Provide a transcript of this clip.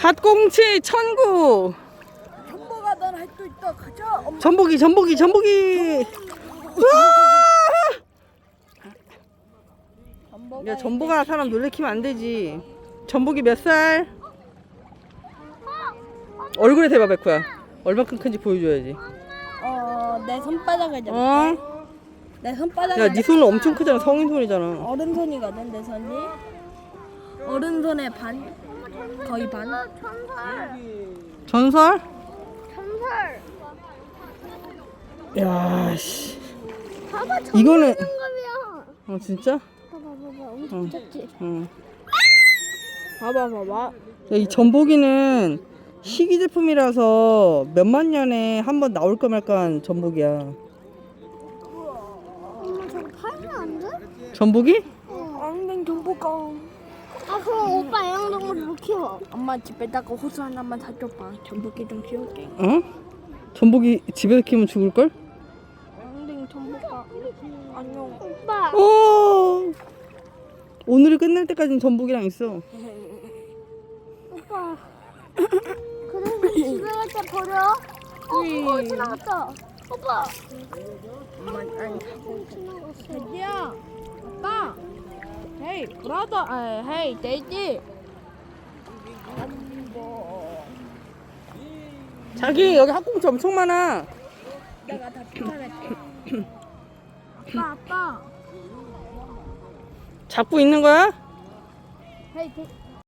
핫꽁치 천구. 전보가 넌 할 수 있다. 가자. 엄마. 전복이. 야, 전복아 사람 놀래키면 안 되지. 전복이 몇 살? 얼굴에 대봐, 백호야. 얼마큼 큰지 보여줘야지. 내 손바닥을 잡을게. 어? 내 손바닥을. 야, 네 손은 엄청 크잖아. 성인 손이잖아. 어른 손이거든 내 손이. 어른 손의 반. 거의 반. 전설? 전설. 야, 씨. 봐봐, 이거는 전설이야. 진짜? 봐봐, 엄청 작지. 응. 봐봐. 야, 이 전복이는 희귀 제품이라서 몇만 년에 한 번 나올 까 말까한 전복이야. 엄마 저거 팔면 안 돼? 전복이? 엉덩 전보가. 아 그럼 오빠 애완동물 못 키워. 엄마 집에다가 호수 하나만 사줘봐. 전복이 좀 키울게. 어? 전복이 집에서 키우면 죽을걸? 엉덩 전보가. 안녕. 오빠. 오늘이 끝날 때까지는 전복이랑 있어. 오빠. 그래서 집에 갈 때 버려. 그거 지나갔다. 오빠. 엄마 아니. 지나갔어. 돼지야. 아빠. 헤이 브라더. 헤이 돼지. 자기 여기 핫꽁치 엄청 많아. 내가 다 쫓아낼게. 아빠. 잡고 있는 거야? 헤이 돼지.